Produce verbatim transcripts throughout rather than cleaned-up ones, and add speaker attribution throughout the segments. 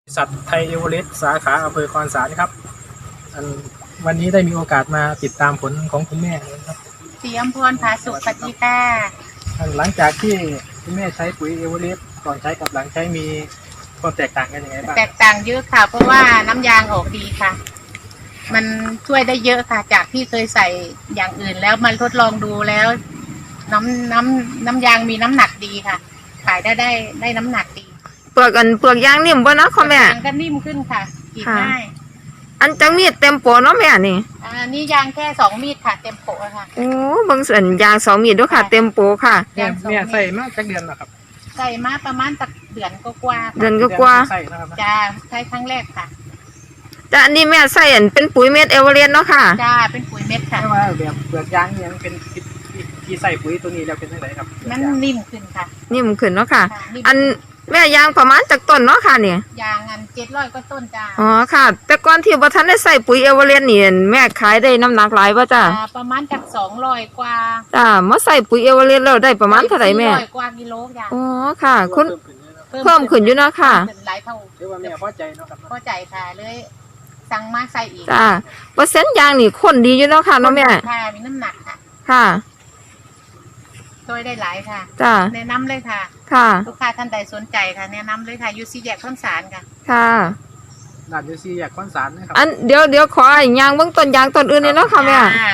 Speaker 1: สัตว์ไทยเอเวอเรสต์สาขาอำเภอคอนสารครับอันวันนี้ได้มีโอกาสมาติดตามผลของคุณแม่นะครับ
Speaker 2: สีอำพรผาสุขปฏิตา
Speaker 1: อันหลังจากที่คุณแม่ใช้ปุ๋ยเอเวอเรสต์ก่อนใช้กับหลังใช้มีความแตกต่างกันยังไงบ้าง
Speaker 2: แตกต่างเยอะค่ะเพราะว่าน้ำยางออกดีค่ะมันช่วยได้เยอะค่ะจากที่เคยใส่อย่างอื่นแล้วมันทดลองดูแล้ว น้ำน้ำน้ำยางมีน้ำหนักดีค่ะขายได้ได้ได้น้ำหนักดี
Speaker 3: เปลือกอันเปลือกยางนิ่มบ่เนาะค่ะแม่
Speaker 2: ยางก็นิ่มขึ้นค่ะกินง่าย
Speaker 3: อันจังมีดเต็มโปเนาะแม่นี่
Speaker 2: อันนี้ยางแค่สองมีดค่ะเต็มโปค่ะ
Speaker 3: โอ้บางส่วนยางสองมีดด้วยค่ะเต็มโปค่ะ
Speaker 1: แม่แม่ใส่มาจากเดือนนะครับ
Speaker 2: ใส่มาประมาณสักเดือนก็กว่า
Speaker 3: เดือนก็กว่า
Speaker 1: ใส่นะครับ
Speaker 2: จ้าใช้ครั้งแรกค่ะ
Speaker 3: แต่อันนี้แม่ใส่อันเป็นปุ๋ยเม็ดเอเวอเรสต์เนาะค่ะ
Speaker 2: จ้าเป็นปุ๋ยเม็ดค่ะ
Speaker 1: แต่ว่าแบบเปลือกยางเนี่ยมันเป็นที่ใส่ปุ๋ยตัวนี้แล้วเป็นยังไงครับ
Speaker 2: มันนิ่มขึ้นค่ะ
Speaker 3: นิ่มขึ้นเนาะค่ะอันแม่ยางประมาณจากต้นเนาะค่ะเนี่ย
Speaker 2: ยางอันเจ็ดร้อยก็ต้นจ้า
Speaker 3: อ๋อค่ะแต่ก่อนที่บ่ทันได้ใส่ปุ๋ยเอเวอเรสต์นี่แม่ขายได้น้ำหนักหลายป่ะจ้า
Speaker 2: ประมาณจากสองร้อยกว่า
Speaker 3: จ้ามาใส่ปุ๋ยเอเวอเรสต์แล้วได้ประมาณเท่าไหร่แม่
Speaker 2: ร้อยกว่ากิโลจ้า
Speaker 3: อ๋อค่ะคุณเพิ่มขึ้นอยู่เนาะค่ะ
Speaker 2: หลายเท่า
Speaker 1: เรียกว่าแม่พอใจเนาะครับ
Speaker 2: พอใจค่ะเลยสั่งมาใส่อีก
Speaker 3: จ้าเปอร์เซ็นต์ยางนี่ข้นดีอยู่เนาะค่ะเนาะแม่
Speaker 2: ค่ะมีน้ำหนักค่ะ
Speaker 3: ค่ะ
Speaker 2: ช่วยได้หลายค่ะ
Speaker 3: จ้า
Speaker 2: แนะนำเลยค่ะ
Speaker 3: ค่ะ
Speaker 2: ลูกค้าท่านใดสนใจค่ะแนะนำเลยค่ะยูซีแยกข้นสารค่ะ
Speaker 3: ค่ะ
Speaker 1: ด่านยูซีแยกข้นสารนะครับ
Speaker 3: อันเดี๋ยวเดี๋ยวขอไอ้ยางเบื้องต้นยางต้นอื่นเลยเนาะค่ะแม่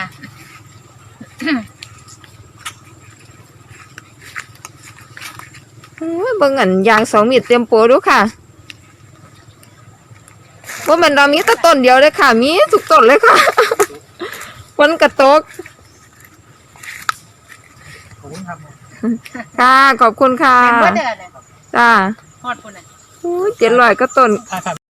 Speaker 3: เบิ่งอันยางสองมีดเต็มโปดูค่ะว่ามันเรามีแต่ต้นเดียวเลยค่ะมีทุกต้นเลยค่ะฝนกระตกค่ะขอบคุณค่ะจ้า
Speaker 2: ฮอดปุ่นอ่ะ
Speaker 3: โอ้ยเจ็ดร้อยก็ต้น